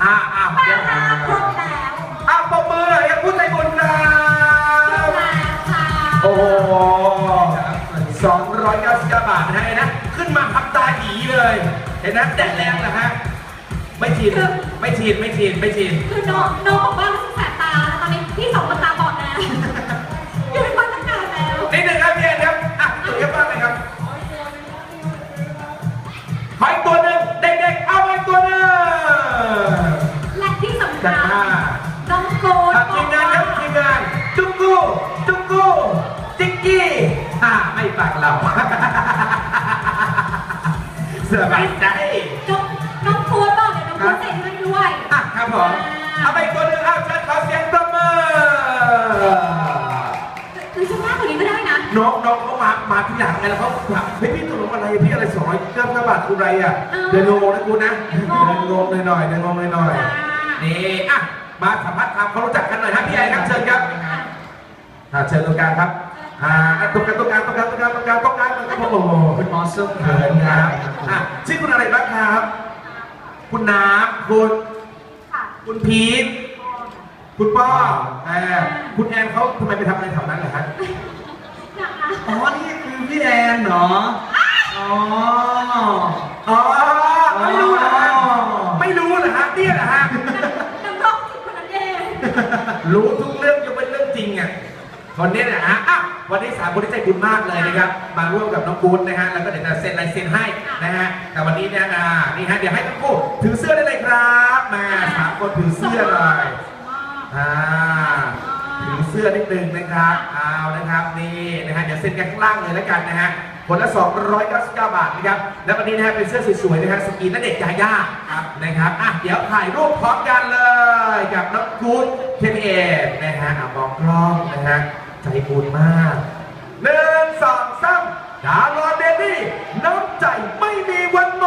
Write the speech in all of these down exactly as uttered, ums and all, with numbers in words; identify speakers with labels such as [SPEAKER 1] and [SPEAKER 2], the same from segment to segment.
[SPEAKER 1] อ่าอ่าเดี๋ยว
[SPEAKER 2] ครบแล้ว
[SPEAKER 1] อ่าปมมือเลยพูดใจบุญครับ
[SPEAKER 2] ค่ะ
[SPEAKER 1] โอ้โหสองร้อยเก้าสิบเก้าบาทนะฮะนะขึ้นมาพับตาหยีเลยเห็นนะแดดแรงนะฮะไม่ชินไม่ชินไม่ชินไม่ชิน
[SPEAKER 2] คือน้องน้องบอกว่ารู้สึกแสบตาตอนนี้พี่สองคนตาบอดแล้วอยู่ในบ้านตั้งนานแล้ว
[SPEAKER 1] นิดหนึ่งครับพี่เอ็นครับอ่ะตัวเยอะมากเลยครับขออีกตัวหนึ่งเด็กๆเอาไปตัวหนึ่ง
[SPEAKER 2] และที่สำคั
[SPEAKER 1] จั
[SPEAKER 2] ญ
[SPEAKER 1] ดมา
[SPEAKER 2] น้องโกด
[SPEAKER 1] ทีมงานครับทีมงานจุกกูจุกกูจิกกี้อ่าไม่ฟังเราสบายใจ
[SPEAKER 2] น้องน้องโกดบอกเดี๋ยวน้องโกดเซ็นให้ด้วย
[SPEAKER 1] อ่ะครับผมเอาไปตัวหนึ่งเอาเชิญขอเสียงปรบมือ
[SPEAKER 2] หรือจะมากกว่านี้ก็ได้นะ
[SPEAKER 1] น้องน้องเขามามาที่หลังไงแล้วเขาแบบเฮ้ยพี่ตกลงอะไรพี่อะไรสองร้อยเก้าสิบเก้าบาทคุณอะไรอ่ะเดินงงนะกูนะเดินงงหน่อยๆเดินงงหน่อยๆนี่อ่ะมาสัมภาษณ์ความเขารู้จักกันหน่อยครับพี่ไอ้ครับเชิญครับอ่าเชิญตรงกลางครับอ่าตรงกลางตรงกลางตรงกลางตรงกลางตรงกลางตรงกลางโอ้โหคุณมอสซึ่งเขินครับอ่ะชื่อคุณอะไรบ้างครับคุณน้ำคุณคุณพีทคุณป้อแอนคุณแอนเขาทำไมไปทำอะไรแถวนั้นเหรอฮะ
[SPEAKER 3] อ๋อ นี่คือพี่แอนเหรอ อ๋อ
[SPEAKER 1] อ๋อไม่รู้เหรอฮะไม่รู้เหรอฮะเนี่ยเหรอฮะ
[SPEAKER 2] น้ำร้องจิตคนนั้นเอง
[SPEAKER 1] รู้ทุกเรื่องยกเป็นเรื่องจริงอ่ะคนนี้นะฮะอ่ะวันนี้สามคนที่ใจบุญมากเลยนะครับมาร่วมกับน้องกู๊ดนะฮะแล้วก็เดี๋ยวจะเซ็นลายเซ็นให้นะฮะแต่วันนี้เนี่ยอ่านี่ฮะเดี๋ยวให้ทั้งคู่ถือเสื้อได้เลยครับมาสามคนถือเสื้อเลยอ่าถือเสื้อนิดนึงนะครับเอานะครับนี่นะฮะเดี๋ยวเซ็นกันข้างล่างเลยแล้วกันนะฮะคนละสองร้อยเก้าสิบเก้าบาทนะครับแล้ววันนี้นะฮะเป็นเสื้อสวยๆนะฮะสกรีนณเดชน์ยาย่านะครับอ่ะเดี๋ยวถ่ายรูปพร้อมกันเลยกับน้องกู๊ดเคมีเอ็มนะฮะอ่ะมองกล้องนะฮะใจบุญมากหนึ่งสองสามดารอนเดนี่น้ำใจไม่มีวันหม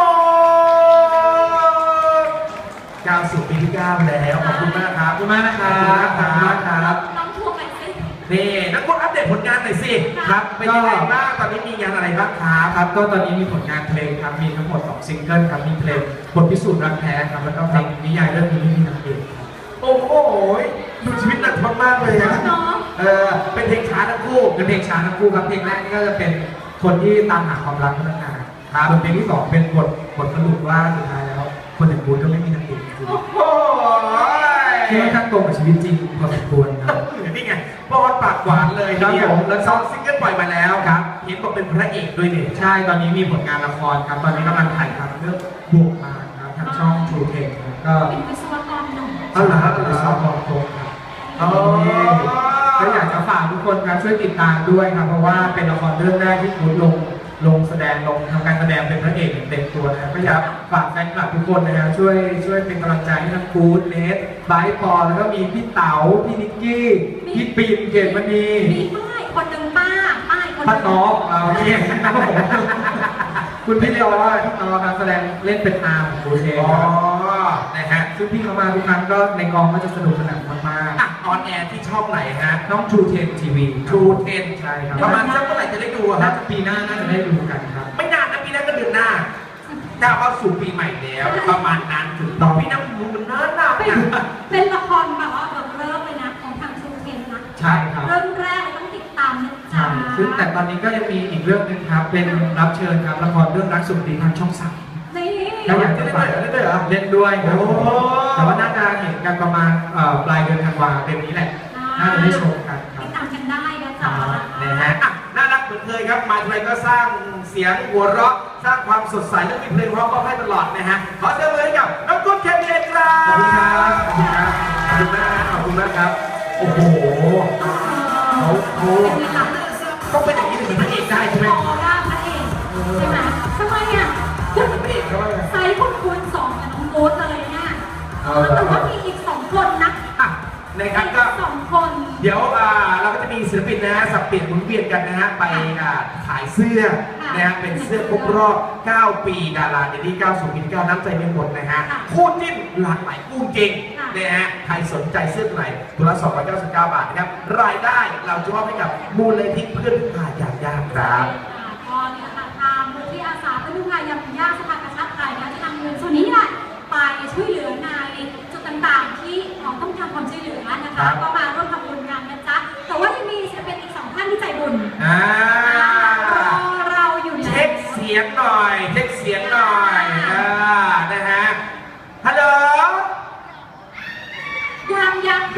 [SPEAKER 1] ดก้าวสู่ปีที่เก้าแล้วขอบคุณมากครับขอบคุณมากนะครับขอบคุณมากครับ
[SPEAKER 2] น้องทวงไปสิ
[SPEAKER 1] นี่นักบุญอัปเดตผลงานหน่อยสิครับเป็นยังไงบ้างตอนนี้มีงานอะไรบ้างครับ
[SPEAKER 3] ครับก็ตอนนี้มีผลงานเพลงครับ มีทั้งหมดสองซิงเกิลครับ มีเพลงบทพิสูจน์รักแท้ครับ แล้วก็เพลงนิยายเรื่องนี้มีนางเอกครับ
[SPEAKER 1] โอ้โหดูชีวิตหนักมากๆเลยอะ
[SPEAKER 2] น้อง
[SPEAKER 1] เออเป็นเพลงช้าทั้งคู่
[SPEAKER 3] เป็นเพลงช้าทั้งคู่ครับ เพลงแรกนี่ก็จะเป็นคนที่ตามหาความรักตั้งนานครับส่วนเพลงที่สองเป็นบทบทสรุปว่าสุดท้ายแล้ว คนอย่างบูธก็ไม่มีนางเอกจริง
[SPEAKER 1] โอ้โห
[SPEAKER 3] ๆที่ค่อนข้างตรงกับชีวิตจริงพอสมควรครับ
[SPEAKER 1] นี่ไงปอดปากหวานเลย
[SPEAKER 3] ครับ
[SPEAKER 1] ทีเดียว
[SPEAKER 3] ผม
[SPEAKER 1] แล้วซองซิงเกิลปล่อยมาแล้ว
[SPEAKER 3] ครับ
[SPEAKER 1] เห็นบอกเป็นพระเอกด้วยนี่
[SPEAKER 3] ใช่ ตอนนี้มีผลงานละครครับ ตอนนี้กำลังถ่ายทำเรื่องบวกมาครับทางช่อง True Tech ครับก็
[SPEAKER 2] เป็นวิศวกรหนุ่ม
[SPEAKER 1] เอาเหรอเอาเหร
[SPEAKER 3] เป็น
[SPEAKER 1] อ
[SPEAKER 3] ซอฟต์บอลโครงครับ
[SPEAKER 1] อ๋อ
[SPEAKER 3] ก็อยากจะฝากทุกคนครับช่วยติดตามด้วยครับ เพราะว่าเป็นละครเรื่องแรกที่คุณลงลงแสดงลงทำการแสดงเป็นพระเอกอย่างเต็มตัวนะครับก็อยากฝากแฟนคลับทุกคนนะครับช่วยช่วยเป็นกำลังใจให้ทั้งกู๊ดเนสไบร์ทปอแล้วก็มีพี่เต๋าพี่นิกกี้พี่ปิ่นเกดมณี
[SPEAKER 2] มีป้ายคนหนึ่งป้าป้ายคนห
[SPEAKER 3] ป้า
[SPEAKER 2] นึ่ง
[SPEAKER 3] ต๊อกเราเนี่ยครับผมคุณพี่ตอพี่ตอการแสดงเล่นเป็นอาร์มของโคเช
[SPEAKER 1] อ๋อ
[SPEAKER 3] ครับ
[SPEAKER 1] นะฮะ
[SPEAKER 3] ซึ่งพี่เขามาทุกครั้งก็ในกองก็จะสนุกสนานมาก
[SPEAKER 1] อ่ะออนแอร์ที่ช่องไหนฮะ
[SPEAKER 3] ๆน้อง True Ten ที วี
[SPEAKER 1] True เทน
[SPEAKER 3] ใช่ครับ
[SPEAKER 1] ประมาณสักเมื่อไหร่จะได้ดูอะค
[SPEAKER 3] น่า
[SPEAKER 1] รับ
[SPEAKER 3] จะปีหน้าน่าจะได้ดูกันครับ
[SPEAKER 1] ไม่นานนะปีหน้าก็เดือนหน้าก้าวเข้าสู่ปีใหม่แล้ว ประมาณนั้นถูกต้องพี่น้ำมูมันนานนาน
[SPEAKER 2] เป็น
[SPEAKER 1] นะ
[SPEAKER 2] เป็นละครแบบว่าเริ่มเลยนะของทางชูเคนนะ
[SPEAKER 3] ใช่ครับ
[SPEAKER 2] เริ่มแรกเลยต้องติดตามนะจ๊ะ
[SPEAKER 3] ใช่ซึ่งแต่ตอนนี้ก็ยังมีอีกเรื่องหนึงครับ เป็นรับเชิญครับละครเรื่องรักสุดดีทางช่องสาม
[SPEAKER 2] นี่
[SPEAKER 3] ถ้าอยากจะฝาก
[SPEAKER 1] เล่นด้วยเหรอ
[SPEAKER 3] เล่นด้วยครับ
[SPEAKER 1] โอ้
[SPEAKER 3] แต่ว่าน่าจะเห็นกันประมาณเอ่อปลายเดือนธันวาเดือนนี้แหละ น่าจะได้ชมกันครั
[SPEAKER 2] ติ
[SPEAKER 3] บ
[SPEAKER 2] ดตามกันได้นะจ๊ะ
[SPEAKER 1] นะฮะอ่ะน่ารักเหมือนเคยครับ มาทีไรก็สร้างเสียงหัวเราะ สร้างความสดใสและมีเพลงเพราะก็ให้ตลอดนะฮะ ขอเสียงเลยให้กับน้องกุ๊ดแคมเปญครับ
[SPEAKER 3] ขอบคุณครับขอบคุณครับ
[SPEAKER 1] ขอบคุณมากขอบคุณมากครับ โอ้โหเขาเขา
[SPEAKER 2] เป็นไงล่ะ
[SPEAKER 1] ต้องเป็นอย่างนี้ถึงเป็นพระเอกได้ใช่ไหม
[SPEAKER 2] ออร่าพระเอกใช่ไหมทำไมอ่ะ
[SPEAKER 1] พูดเหมือนพระเอกเขาว่าไง
[SPEAKER 2] ไซส์คุณคูณสองกับน้องโบ๊ทเลยเนี่ยแต่ว่ามีอีกสองคนนะ
[SPEAKER 1] อ่ะนะครับก็
[SPEAKER 2] สองคน
[SPEAKER 1] เดี๋ยวอ่าเราก็จะมีศิลปินนะฮะสับเปลี่ยนหมุนเวียนกันนะฮะไปอ่าขายเสื้อนะฮะเป็นเสื้อครบรอบเก้าปีดาราเดลี่เก้าสู่ปีที่เก้าน้ำใจไม่หมดนะฮะคู่จิ้นหลากหลายคู่จริงนะฮะใครสนใจเสื้อตัวไหนตัวละสองร้อยเก้าสิบเก้าบาทนะครับรายได้เราจะมอบให้กับมูลนิธิเพื่อนผู้ขาดอย่างยากครับ
[SPEAKER 2] ก็เนี่ยค่ะทางมูลที่อาสาเพื่อผู้พายามยากสภากาชาติไทยนะจะนำเงินส่วนนี้แหละไปช่วยเหลือในจุ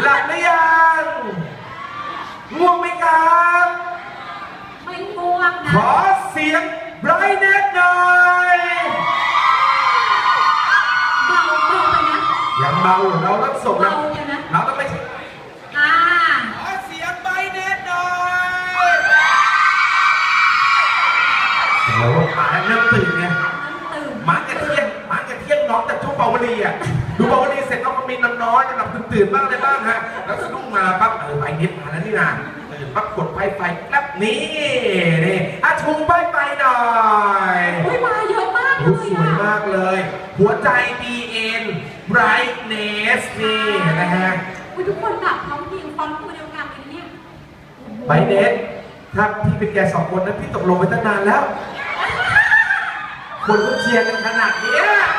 [SPEAKER 1] ลับหรือยังง่วงไหมครับ
[SPEAKER 2] ไม่ง่วงนะ
[SPEAKER 1] ขอเสียงไบรท์เน็ตหน่อย
[SPEAKER 2] เบาเบาไปนะ
[SPEAKER 1] ยังเบาอยู่เราต้องส่งนะ
[SPEAKER 2] เบาไปนะ
[SPEAKER 1] เราต้องไม่
[SPEAKER 2] อ่า
[SPEAKER 1] ขอเสียงไบรท์เน็ตหน่อยโอ้โหขาเริ่มตื่นไง
[SPEAKER 2] ตื่น
[SPEAKER 1] หมากระเทียมหมากระเทียมน้องจากช่วงเบาวลีอ่ะดูเบาวลีเสร็จน้องก็มีน้ำน้อยกำลังตื่นๆบ้างอะไรบ้างฮะแล้วสะดุ้งมาปั๊บเออไฟเน็ตมาแล้วนี่นะตื่นปั๊บกดไฟไฟแป๊บนี่นี่อ่ะชูไฟไฟหน่อย
[SPEAKER 2] อุ้ยมาเยอะมากเล
[SPEAKER 1] โอ้
[SPEAKER 2] ย
[SPEAKER 1] สวย
[SPEAKER 2] อ่ะ
[SPEAKER 1] มากเลย หัวใจ บี เอ็น Brightness นี่นะฮะ
[SPEAKER 2] อุ้ยทุกคนแบบพร้อมเพรียงฟอนต์ตัวเดียวกันเลยเนี่ย
[SPEAKER 1] Brightness ถ้าพี่เป็นแกสองคนนั้นพี่ตกลงไปตั้งนานแล้ว คนก็เชียร์กันขนาดเนี้ย